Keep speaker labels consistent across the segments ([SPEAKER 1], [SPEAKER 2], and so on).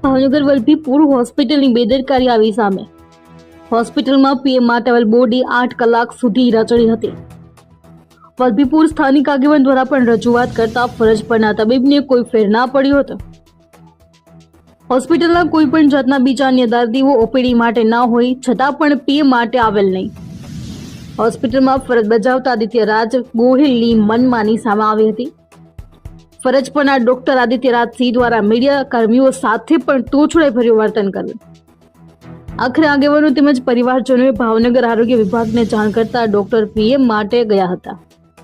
[SPEAKER 1] ભાવનગર વલભીપુર હોસ્પિટલની બેદરકારી આવી સામે। હોસ્પિટલમાં પીએમ માટે આવેલ બોર્ડે 8 કલાક સુધી રચડી હતી। વલભીપુર સ્થાનિક આગેવાન દ્વારા પણ રજૂઆત કરતા ફરજ પરના તબીબને કોઈ ફેર ના પડ્યો હતો। હોસ્પિટલના કોઈ પણ જાતના બીજા અન્ય દર્દીઓ ઓપીડી માટે ના હોય છતાં પણ પીએમ માટે આવેલ નહીં। હોસ્પિટલમાં ફરજ બજાવતા આદિત્ય રાજ ગોહિલની મનમાની સામે આવી હતી। ફરજ પરના ડોક્ટર આદિત્ય રાજસિંહ દ્વારા મીડિયા કર્મીઓ સાથે પણ તોછડાઈ ભર્યું વર્તન કર્યું। આખરે આગેવાનો તેમજ પરિવારજનોએ ભાવનગર આરોગ્ય વિભાગને જાણ કરતા ડોક્ટર પીએમ માટે ગયા હતા।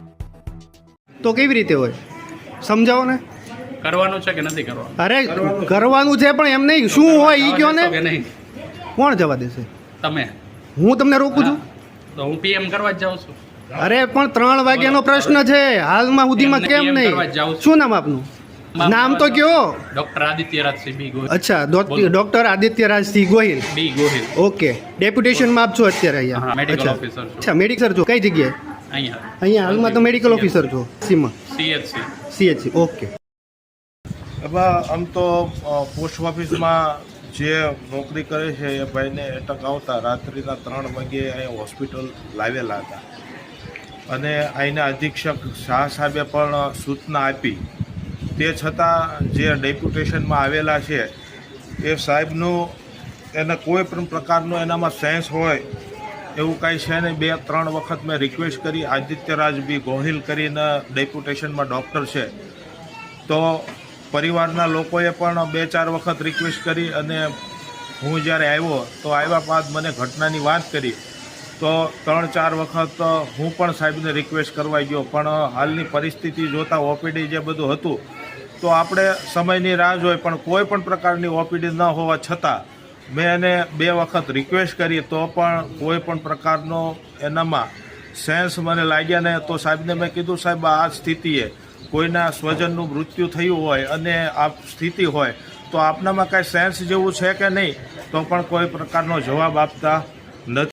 [SPEAKER 2] તો કેવી રીતે હોય સમજાવો ને।
[SPEAKER 3] કરવાનું છે કે નથી કરવાનું?
[SPEAKER 2] અરે કરવાનું છે પણ એમ નહીં, શું હોય ઈ કયો ને।
[SPEAKER 3] કે નહીં
[SPEAKER 2] કોણ જવા દેશે?
[SPEAKER 3] તમે?
[SPEAKER 2] હું તમને રોકું છું?
[SPEAKER 3] તો હું પીએમ કરવા જ જાઉં છું।
[SPEAKER 2] અરે પણ 3 વાગ્યાનો પ્રશ્ન છે, હાલમાં સુધીમાં કેમ
[SPEAKER 3] PM કરવા જ
[SPEAKER 2] નહીં?
[SPEAKER 3] જાઉં છું।
[SPEAKER 2] શું નામ આપનું? નામ તો કયો?
[SPEAKER 3] Doctor Aditya Rajsinh B Gohil.
[SPEAKER 2] અચ્છા, doctor Aditya Rajsinh Gohil.
[SPEAKER 3] B Gohil.
[SPEAKER 2] Okay, ડેપ્યુટેશનમાં આપ છો અત્યારે
[SPEAKER 3] હા,
[SPEAKER 2] અહીંયા?
[SPEAKER 3] મેડિકલ
[SPEAKER 2] અચ્છા.
[SPEAKER 3] ઓફિસર છું।
[SPEAKER 2] અચ્છા, મેડિકલ છો કઈ જગ્યાએ?
[SPEAKER 3] અહીંયા
[SPEAKER 2] અહીંયા હાલમાં તો મેડિકલ ઓફિસર છો સીમાં?
[SPEAKER 3] સીએચસી।
[SPEAKER 2] CHC, okay.
[SPEAKER 4] એમાં આમ તો પોસ્ટ ઓફિસમાં જે નોકરી કરે છે એ ભાઈને એટક આવતા રાત્રિના 3 વાગ્યે અહીંયા હોસ્પિટલ લાવેલા હતા અને અહીંના અધિક્ષક શાહ સાહેબે પણ સૂચના આપી। તે છતાં જે ડેપ્યુટેશનમાં આવેલા છે એ સાહેબનું એને કોઈ પણ પ્રકારનો એનામાં સેન્સ હોય એવું કાંઈ છે નહીં। 2-3 વખત મેં રિક્વેસ્ટ કરી, આદિત્યરાજ બી ગોહિલ કરીને ડેપ્યુટેશનમાં ડૉક્ટર છે, તો પરિવારના લોકોએ પણ 2-4 વખત રિક્વેસ્ટ કરી અને હું જ્યારે આવ્યો તો આવ્યા બાદ મને ઘટનાની વાત કરી તો 3-4 વખત હું પણ સાહેબને રિક્વેસ્ટ કરવા ગયો, પણ હાલની પરિસ્થિતિ જોતાં ઓપીડી જે બધું હતું તો આપણે સમયની રાહ જોઈ, પણ કોઈ પણ પ્રકારની ઓપીડી ન હોવા છતાં મેં એને 2 વખત રિક્વેસ્ટ કરી તો પણ કોઈ પણ પ્રકારનો એનામાં સેન્સ મને લાગ્યા ને। તો સાહેબને મેં કીધું, સાહેબ આ સ્થિતિએ કોઈના સ્વજનનું મૃત્યુ થયું હોય અને આ સ્થિતિ હોય તો આપનામાં કાંઈ સેન્સ જેવું છે કે નહીં, તો પણ કોઈ પ્રકારનો જવાબ આપતા નથી।